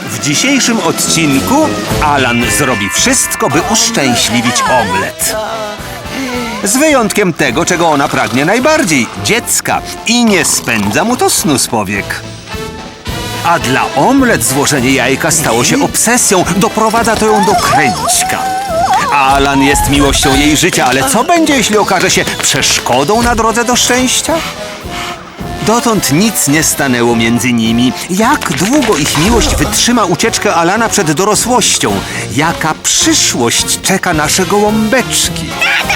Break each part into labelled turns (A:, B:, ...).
A: W dzisiejszym odcinku Alan zrobi wszystko, by uszczęśliwić Omlet. Z wyjątkiem tego, czego ona pragnie najbardziej – dziecka. I nie spędza mu to snu z powiek. A dla Omlet złożenie jajka stało się obsesją. Doprowadza to ją do kręćka. Alan jest miłością jej życia, ale co będzie, jeśli okaże się przeszkodą na drodze do szczęścia? Dotąd nic nie stanęło między nimi. Jak długo ich miłość wytrzyma ucieczkę Alana przed dorosłością? Jaka przyszłość czeka nasze gołąbeczki?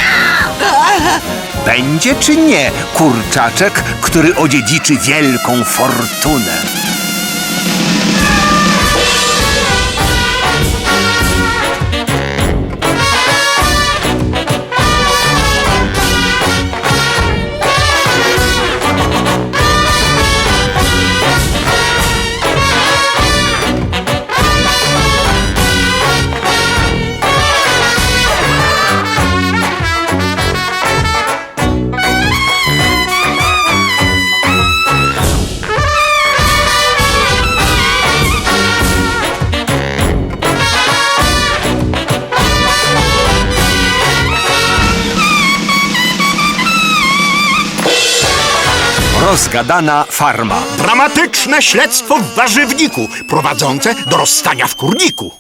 A: Będzie czy nie kurczaczek, który odziedziczy wielką fortunę? Rozgadana farma.
B: Dramatyczne śledztwo w warzywniku, prowadzące do rozstania w kurniku.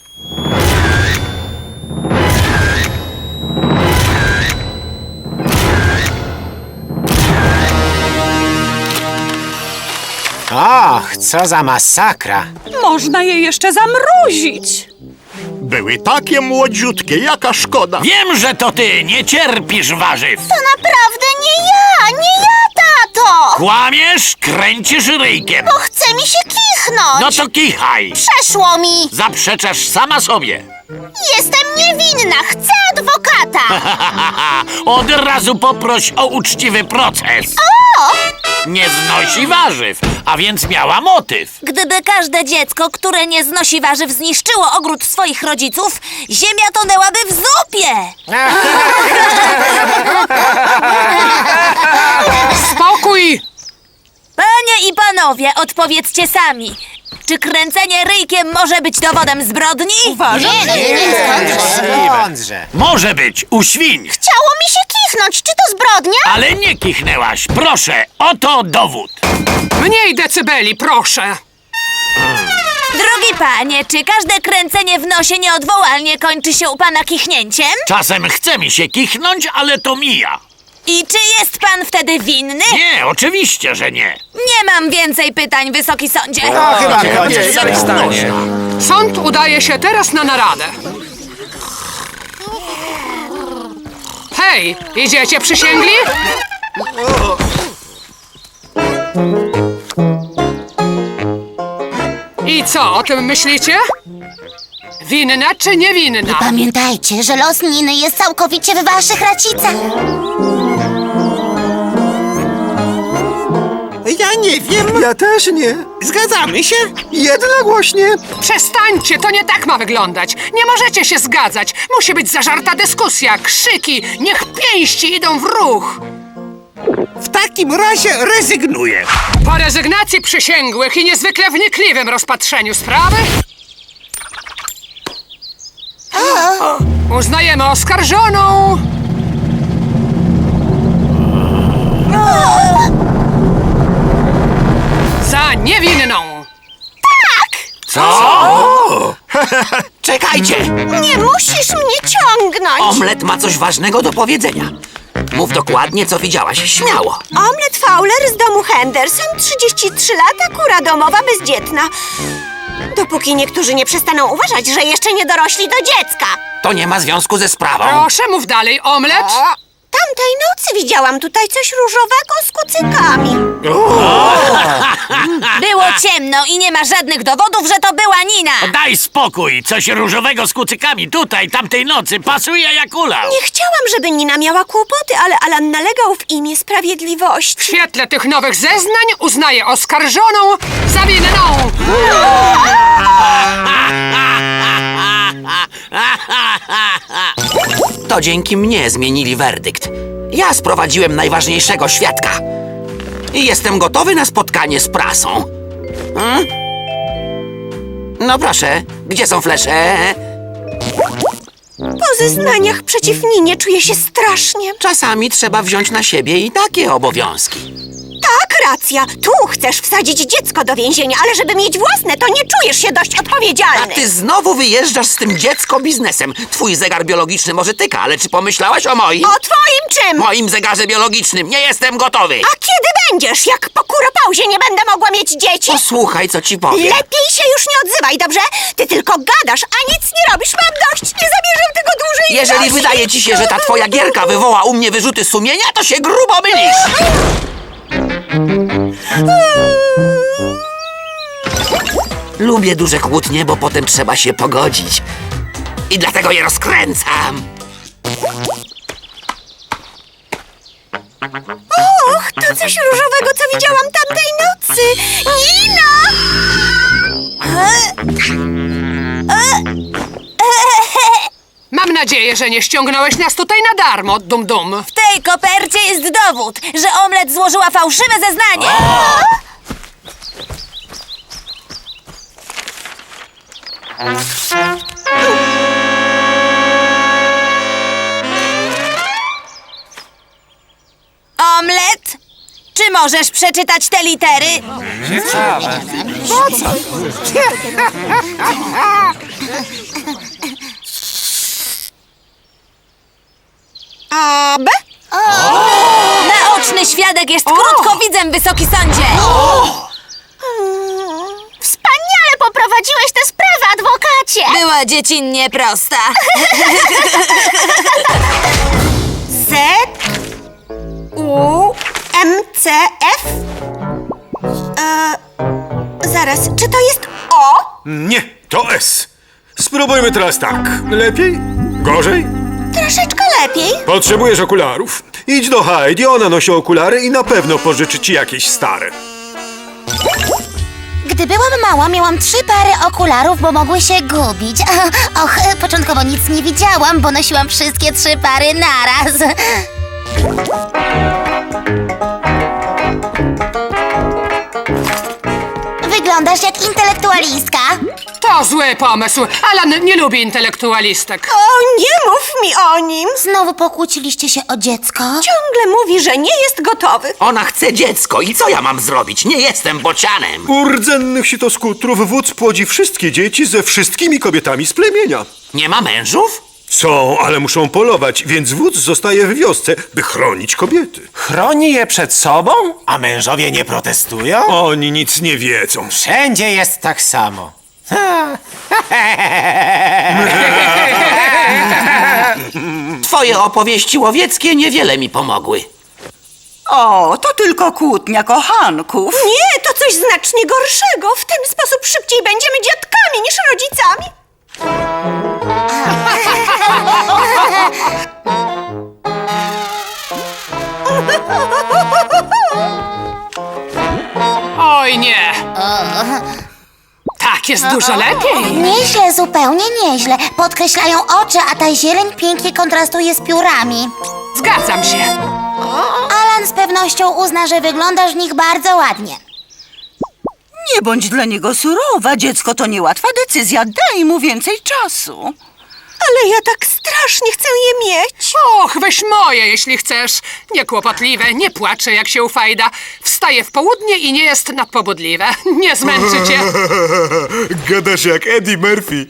C: Och, co za masakra.
D: Można je jeszcze zamrozić.
B: Były takie młodziutkie, jaka szkoda.
E: Wiem, że to ty nie cierpisz warzyw.
F: To naprawdę nie ja, tato!
E: Kłamiesz, kręcisz ryjkiem.
F: Bo chce mi się kichnąć!
E: No to kichaj.
F: Przeszło mi!
E: Zaprzeczasz sama sobie.
F: Jestem niewinna, chcę adwokata!
E: Od razu poproś o uczciwy proces.
F: O!
E: Nie znosi warzyw, a więc miała motyw.
F: Gdyby każde dziecko, które nie znosi warzyw, zniszczyło ogród swoich rodziców, ziemia tonęłaby w zupie!
D: Spokój!
F: Panie i panowie, odpowiedzcie sami. Czy kręcenie ryjkiem może być dowodem zbrodni?
D: Uważam, że
C: Mądrze.
E: Może być, u świń.
F: Chciało mi się kichnąć, czy to zbrodnia?
E: Ale nie kichnęłaś. Proszę, oto dowód.
D: Mniej decybeli, proszę.
F: Drogi panie, czy każde kręcenie w nosie nieodwołalnie kończy się u pana kichnięciem?
E: Czasem chce mi się kichnąć, ale to mija.
F: I czy jest pan wtedy winny?
E: Nie, oczywiście, że nie.
F: Nie mam więcej pytań, wysoki sądzie.
C: Chyba koniec stanie.
D: Sąd udaje się teraz na naradę. Hej, idziecie przysięgli? I co o tym myślicie? Winna czy niewinna?
F: Pamiętajcie, że los Niny jest całkowicie w waszych racicach.
B: Ja nie wiem.
G: Ja też nie.
B: Zgadzamy się?
G: Jednogłośnie.
D: Przestańcie, to nie tak ma wyglądać. Nie możecie się zgadzać. Musi być zażarta dyskusja, krzyki. Niech pięści idą w ruch.
B: W takim razie rezygnuję.
D: Po rezygnacji przysięgłych i niezwykle wnikliwym rozpatrzeniu sprawy uznajemy oskarżoną za niewinną.
E: Co?
H: Czekajcie!
F: Nie musisz mnie ciągnąć.
H: Omlet ma coś ważnego do powiedzenia. Mów dokładnie, co widziałaś. Śmiało.
F: Omlet Fowler z domu Henderson, 33 lata, kura domowa, bezdzietna. Dopóki niektórzy nie przestaną uważać, że jeszcze nie dorośli do dziecka.
H: To nie ma związku ze sprawą.
D: Proszę, mów dalej, omlet.
F: Tamtej nocy widziałam tutaj coś różowego z kucykami. Było ciemno i nie ma żadnych dowodów, że to była Nina.
E: Daj spokój. Coś różowego z kucykami tutaj, tamtej nocy. Pasuje jak ulał.
F: Nie chciałam, żeby Nina miała kłopoty, ale Alan nalegał w imię sprawiedliwości.
D: W świetle tych nowych zeznań uznaję oskarżoną za winną.
H: To dzięki mnie zmienili werdykt. Ja sprowadziłem najważniejszego świadka. I jestem gotowy na spotkanie z prasą. No proszę, gdzie są flesze?
F: Po zeznaniach przeciw Ninie czuję się strasznie.
H: Czasami trzeba wziąć na siebie i takie obowiązki.
F: Tak, racja. Tu chcesz wsadzić dziecko do więzienia, ale żeby mieć własne, to nie czujesz się dość
H: A
F: odpowiedzialny.
H: ty znowu wyjeżdżasz z tym dziecko biznesem. Twój zegar biologiczny może tyka, ale czy pomyślałaś o moim?
F: O twoim czym?
H: Moim zegarze biologicznym. Nie jestem gotowy.
F: A kiedy będziesz? Jak po kuropauzie nie będę mogła mieć dzieci?
H: Posłuchaj, co ci powiem.
F: Lepiej się już nie odzywaj, dobrze? Ty tylko gadasz, a nic nie robisz. Mam dość. Nie zamierzam tego dłużej
H: Jeżeli
F: nosić.
H: wydaje ci się, że ta twoja gierka wywoła u mnie wyrzuty sumienia, to się grubo mylisz. Lubię duże kłótnie, bo potem trzeba się pogodzić. I dlatego je rozkręcam.
F: Och, to coś różowego, co widziałam tamtej nocy. Nina!
D: Mam nadzieję, że nie ściągnąłeś nas tutaj na darmo, dum-dum.
G: W tej kopercie jest dowód, że Omlet złożyła fałszywe zeznanie. Omlet? Czy możesz przeczytać te litery?
F: A, B?
G: Naoczny świadek jest krótkowidzem, Wysoki Sądzie.
F: Wspaniale poprowadziłeś tę sprawę, adwokacie!
G: Była dziecinnie prosta.
F: Z, U, M, C, F? Zaraz, czy to jest O?
I: Nie, to S. Spróbujmy teraz tak. Lepiej? Gorzej?
F: Troszeczkę lepiej.
I: Potrzebujesz okularów. Idź do Heidi, ona nosi okulary i na pewno pożyczy ci jakieś stare.
J: Gdy byłam mała, miałam 3 pary okularów, bo mogły się gubić. Och, początkowo nic nie widziałam, bo nosiłam wszystkie 3 pary naraz. Wyglądasz jak intelektualistka.
D: To zły pomysł. Alan nie lubi intelektualistek.
F: O, nie mów mi o nim.
J: Znowu pokłóciliście się o dziecko?
F: Ciągle mówi, że nie jest gotowy.
H: Ona chce dziecko i co ja mam zrobić? Nie jestem bocianem.
I: U rdzennych sitoskutrów wódz płodzi wszystkie dzieci ze wszystkimi kobietami z plemienia.
H: Nie ma mężów?
I: Są, ale muszą polować, więc wódz zostaje w wiosce, by chronić kobiety.
C: Chroni je przed sobą? A mężowie nie protestują?
I: Oni nic nie wiedzą.
C: Wszędzie jest tak samo.
H: Twoje opowieści łowieckie niewiele mi pomogły.
K: O, to tylko kłótnia kochanków.
F: Nie, to coś znacznie gorszego. W ten sposób szybciej będziemy dziadkami niż rodzicami.
D: Oj nie. Tak jest dużo lepiej.
J: Nieźle, zupełnie nieźle. Podkreślają oczy, a ta zieleń pięknie kontrastuje z piórami.
D: Zgadzam się.
J: Alan z pewnością uzna, że wyglądasz w nich bardzo ładnie.
K: Nie bądź dla niego surowa, dziecko to niełatwa decyzja, daj mu więcej czasu.
F: Ale ja tak strasznie chcę je mieć.
D: Och, weź moje, jeśli chcesz. Niekłopotliwe, nie płacze, jak się ufajda. Wstaje w południe i nie jest nadpobudliwe. Nie zmęczy cię.
I: Gadasz jak Eddie Murphy.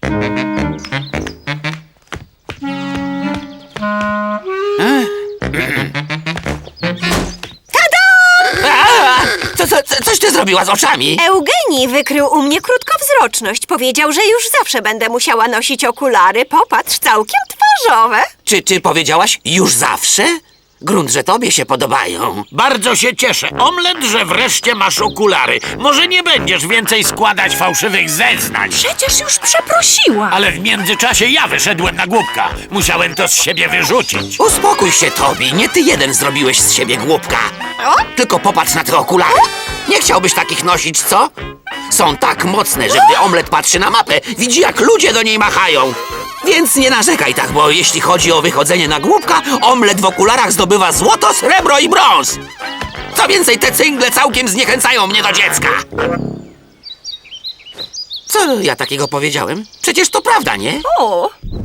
H: Coś ty zrobiła z oczami?
F: Eugenii wykrył u mnie krótkowzroczność. Powiedział, że już zawsze będę musiała nosić okulary. Popatrz, całkiem twarzowe.
H: Czy powiedziałaś już zawsze? Grunt, że tobie się podobają.
E: Bardzo się cieszę, Omlet, że wreszcie masz okulary. Może nie będziesz więcej składać fałszywych zeznań.
K: Przecież już przeprosiła.
E: Ale w międzyczasie ja wyszedłem na głupka. Musiałem to z siebie wyrzucić.
H: Uspokój się, Tobi. Nie ty jeden zrobiłeś z siebie głupka. Tylko popatrz na te okulary. Nie chciałbyś takich nosić, co? Są tak mocne, że gdy Omlet patrzy na mapę, widzi, jak ludzie do niej machają. Więc nie narzekaj tak, bo jeśli chodzi o wychodzenie na głupka, Omlet w okularach zdobywa złoto, srebro i brąz. Co więcej, te cyngle całkiem zniechęcają mnie do dziecka. Co Co ja takiego powiedziałem? Przecież to prawda, nie?
K: O,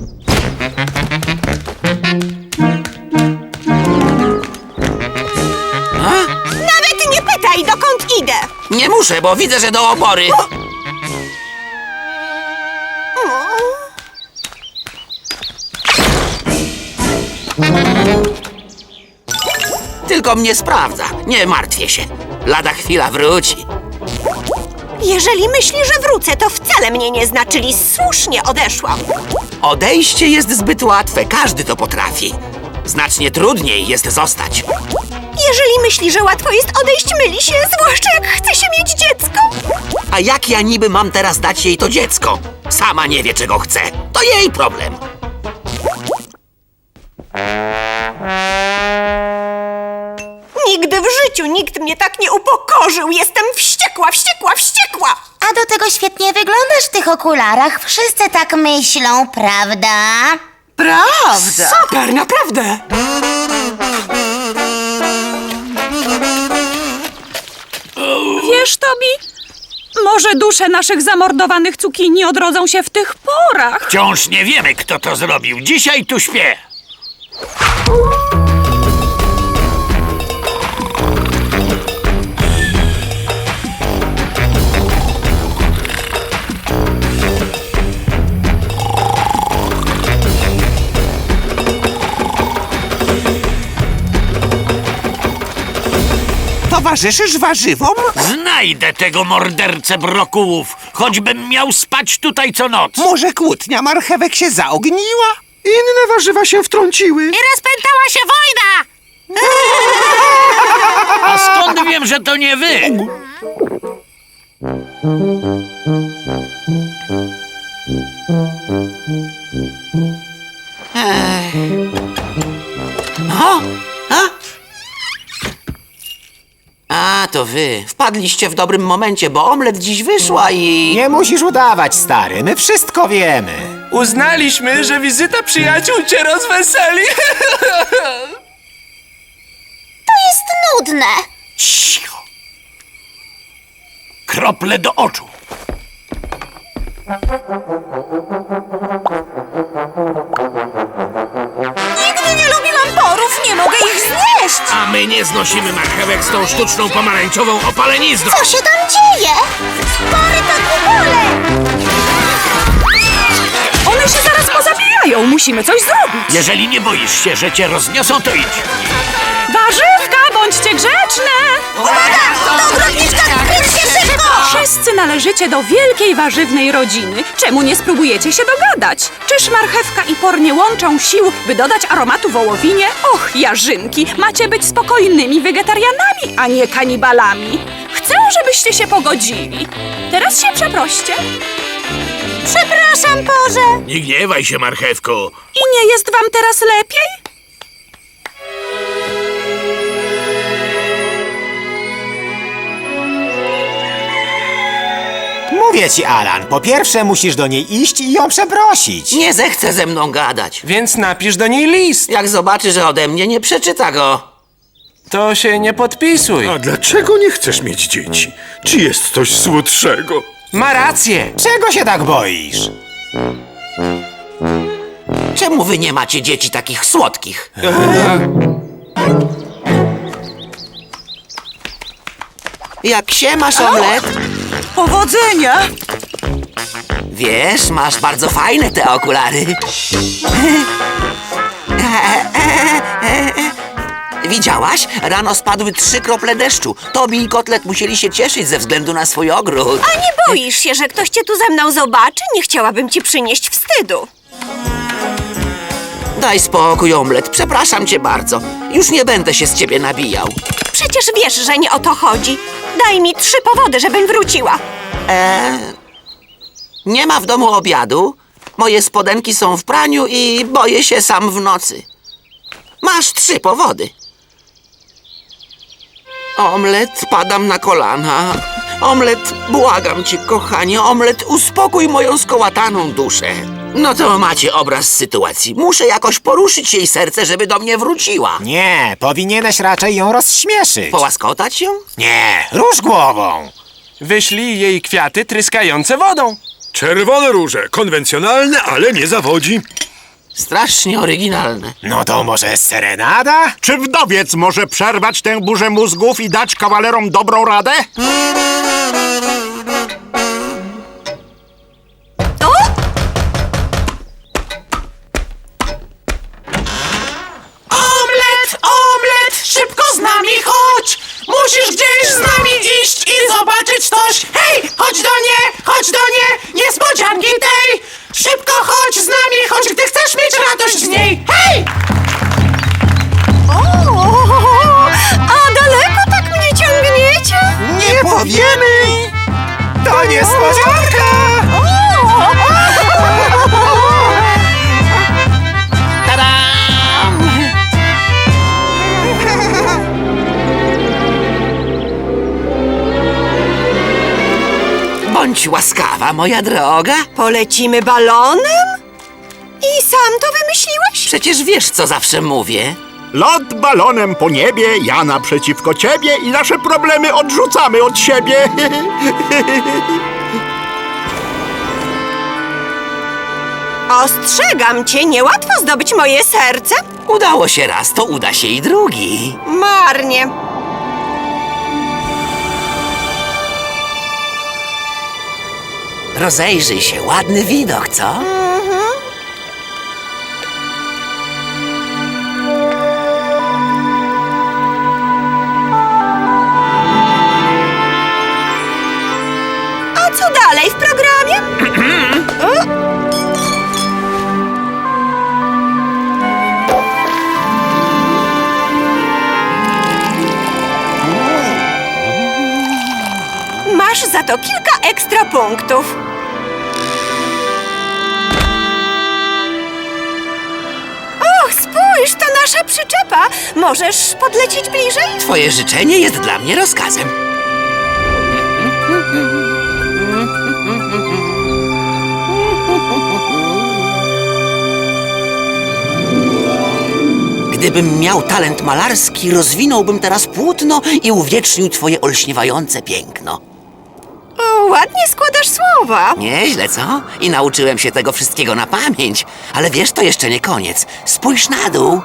F: Nawet nie pytaj, dokąd idę.
H: Nie muszę, bo widzę, że do obory. Tylko mnie sprawdza. Nie martwię się. Lada chwila wróci.
F: Jeżeli myśli, że wrócę, to wcale mnie nie zna, czyli słusznie odeszłam.
H: Odejście jest zbyt łatwe. Każdy to potrafi. Znacznie trudniej jest zostać.
F: Jeżeli myśli, że łatwo jest odejść, myli się, zwłaszcza jak chce się mieć dziecko.
H: A jak ja niby mam teraz dać jej to dziecko? Sama nie wie, czego chce. To jej problem.
F: Nigdy w życiu nikt mnie tak nie upokorzył. Jestem wściekła, wściekła, wściekła.
J: A do tego świetnie wyglądasz w tych okularach. Wszyscy tak myślą, prawda?
K: prawda.
D: Super, naprawdę.
K: Wiesz, Tobi, może dusze naszych zamordowanych cukinii odrodzą się w tych porach.
E: Wciąż nie wiemy, kto to zrobił. Dzisiaj tu śpię.
A: Towarzyszysz warzywom?
E: Znajdę tego mordercę brokułów, choćbym miał spać tutaj co noc.
A: Może kłótnia marchewek się zaogniła?
I: Inne warzywa się wtrąciły.
G: Rozpętała się wojna!
E: A skąd wiem, że to nie wy?
H: A, to wy. Wpadliście w dobrym momencie, bo omlet dziś wyszła i...
C: Nie musisz udawać, stary, my wszystko wiemy.
L: Uznaliśmy, że wizyta przyjaciół cię rozweseli.
J: To jest nudne.
E: Cicho. Krople do oczu.
F: Nigdy nie lubiłam porów, nie mogę ich znieść.
E: A my nie znosimy marchewek z tą sztuczną pomarańczową opalenizną.
J: Co się tam dzieje?
F: Pory to bóle.
K: One się zaraz pozabijają, musimy coś zrobić.
E: Jeżeli nie boisz się, że cię rozniosą, to idź.
K: Warzywka, bądźcie grzeczne! Wszyscy należycie do wielkiej warzywnej rodziny. Czemu nie spróbujecie się dogadać? Czyż marchewka i por nie łączą sił, by dodać aromatu wołowinie? Och, jarzynki, macie być spokojnymi wegetarianami, a nie kanibalami. Chcę, żebyście się pogodzili. Teraz się przeproście.
F: Przepraszam, Porze.
E: Nie gniewaj się, marchewko.
K: I nie jest wam teraz lepiej?
C: Mówię ci, Alan, po pierwsze musisz do niej iść i ją przeprosić.
H: Nie zechce ze mną gadać.
L: Więc napisz do niej list.
H: Jak zobaczy, że ode mnie nie przeczyta go.
L: To się nie podpisuj.
I: A dlaczego nie chcesz mieć dzieci? Czy jest coś słodszego?
L: Ma rację.
C: Czego się tak boisz?
H: Czemu wy nie macie dzieci takich słodkich? Jak się masz, omlet?
K: Powodzenia!
H: Wiesz, masz bardzo fajne te okulary. Widziałaś? Rano spadły 3 krople deszczu. Tobi i Kotlet musieli się cieszyć ze względu na swój ogród.
F: A nie boisz się, że ktoś cię tu ze mną zobaczy? Nie chciałabym ci przynieść wstydu.
H: Daj spokój, omlet. Przepraszam cię bardzo. Już nie będę się z ciebie nabijał.
F: Przecież wiesz, że nie o to chodzi. Daj mi 3 powody, żebym wróciła.
H: Nie ma w domu obiadu. Moje spodenki są w praniu i boję się sam w nocy. Masz 3 powody. Omlet, padam na kolana. Omlet, błagam cię, kochanie. Omlet, uspokój moją skołataną duszę. No to macie obraz sytuacji. Muszę jakoś poruszyć jej serce, żeby do mnie wróciła.
C: Nie, powinieneś raczej ją rozśmieszyć.
H: Połaskotać ją?
C: Nie, rusz głową.
L: Wyślij jej kwiaty tryskające wodą.
I: Czerwone róże. Konwencjonalne, ale nie zawodzi.
H: Strasznie oryginalne.
C: No to może serenada?
B: Czy wdowiec może przerwać tę burzę mózgów i dać kawalerom dobrą radę?
L: Omlet, omlet, szybko z nami chodź! Musisz gdzieś z nami iść i zobaczyć coś! Hej, chodź do nie, niespodzianki tej! Szybko chodź z nami, chodź, gdy chcesz mieć radość z niej! Hej!
F: A daleko tak mnie ciągniecie?
C: Nie powiemy! To niespodzianka!
H: Tadam! Bądź łaskawa, moja droga.
F: Polecimy balonem? I sam to wymyśliłeś?
H: Przecież wiesz, co zawsze mówię.
B: Lot balonem po niebie, ja naprzeciwko ciebie i nasze problemy odrzucamy od siebie.
F: Ostrzegam cię, niełatwo zdobyć moje serce.
H: Udało się raz, to uda się i drugi.
F: Marnie.
H: Rozejrzyj się, ładny widok, co?
F: A co dalej w programie? Masz za to kilka ekstra punktów. Och, spójrz, to nasza przyczepa. Możesz podlecieć bliżej?
H: Twoje życzenie jest dla mnie rozkazem. Gdybym miał talent malarski, rozwinąłbym teraz płótno i uwiecznił twoje olśniewające piękno.
F: O, ładnie składasz słowa.
H: Nieźle, co? I nauczyłem się tego wszystkiego na pamięć. Ale wiesz, to jeszcze nie koniec. Spójrz na dół.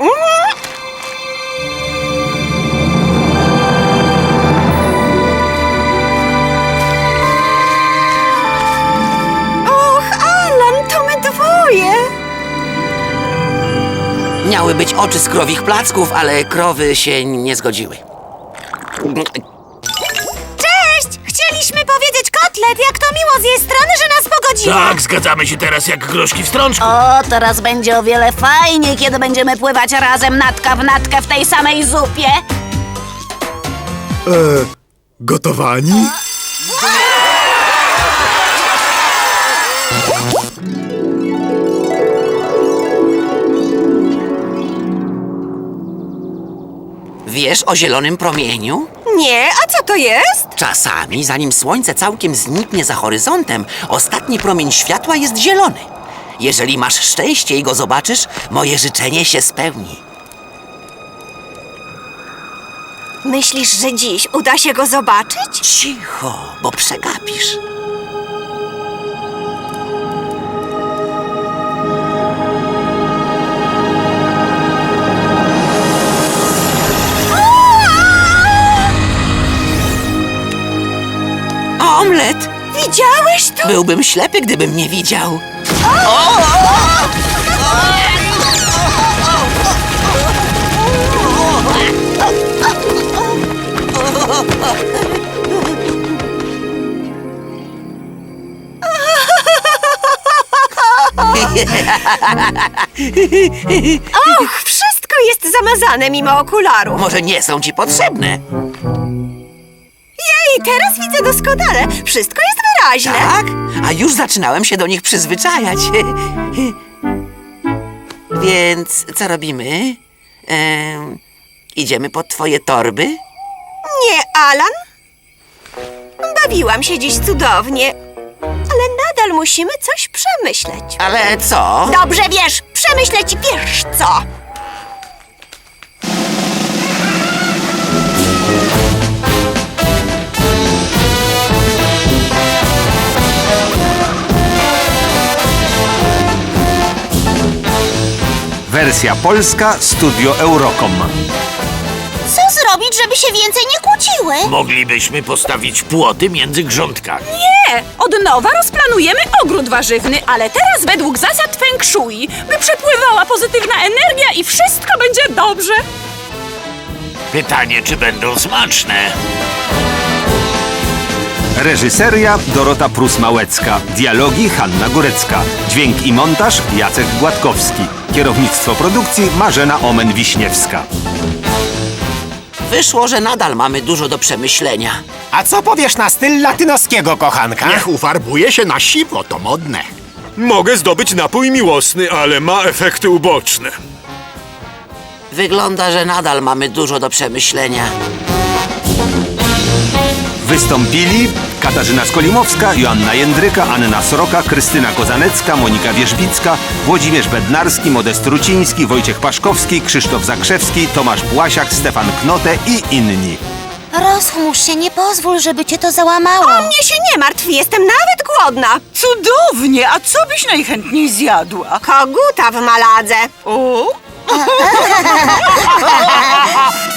F: Och, Alan, to my dwoje.
H: Miały być oczy z krowich placków, ale krowy się nie zgodziły.
G: Cześć! Chcieliśmy powiedzieć Kotlet, jak to miło z jej strony, że nas pogodziła.
E: Tak, zgadzamy się teraz jak groszki w strączku.
G: O, teraz będzie o wiele fajniej, kiedy będziemy pływać razem natka w natkę w tej samej zupie.
I: Gotowani?
H: Wiesz o zielonym promieniu?
F: Nie, a co to jest?
H: Czasami, zanim słońce całkiem zniknie za horyzontem, ostatni promień światła jest zielony. Jeżeli masz szczęście i go zobaczysz, moje życzenie się spełni.
F: Myślisz, że dziś uda się go zobaczyć?
H: Cicho, bo przegapisz. Omlet!
F: Widziałeś to?
H: Byłbym ślepy, gdybym nie widział.
F: Och, wszystko jest zamazane mimo okularów.
H: Może nie są ci potrzebne.
F: Jej, teraz widzę doskonale. Wszystko jest wyraźne.
H: Tak? A już zaczynałem się do nich przyzwyczajać. Więc co robimy? Idziemy pod twoje torby?
F: Nie, Alan. Bawiłam się dziś cudownie. Ale nadal musimy coś przemyśleć.
H: Ale co?
F: Dobrze wiesz, przemyśleć wiesz co.
A: Wersja polska Studio Eurocom.
J: Co zrobić, żeby się więcej nie kłóciły?
E: Moglibyśmy postawić płoty między grządkami.
K: Nie! Od nowa rozplanujemy ogród warzywny, ale teraz według zasad Feng Shui, by przepływała pozytywna energia i wszystko będzie dobrze.
E: Pytanie, czy będą smaczne?
A: Reżyseria Dorota Prus-Małecka. Dialogi Hanna Górecka. Dźwięk i montaż Jacek Gładkowski. Kierownictwo produkcji Marzena Omen-Wiśniewska.
H: Wyszło, że nadal mamy dużo do przemyślenia.
C: A co powiesz na styl latynoskiego, kochanka?
B: Niech ufarbuje się na siwo, to modne.
I: Mogę zdobyć napój miłosny, ale ma efekty uboczne.
H: Wygląda, że nadal mamy dużo do przemyślenia.
A: Wystąpili Katarzyna Skolimowska, Joanna Jędryka, Anna Sroka, Krystyna Kozanecka, Monika Wierzbicka, Włodzimierz Bednarski, Modest Ruciński, Wojciech Paszkowski, Krzysztof Zakrzewski, Tomasz Błasiak, Stefan Knote i inni.
J: Rozchmurz się, nie pozwól, żeby cię to załamało.
F: O mnie się nie martw, jestem nawet głodna.
M: Cudownie, a co byś najchętniej zjadła?
F: Koguta w maladze.
M: O?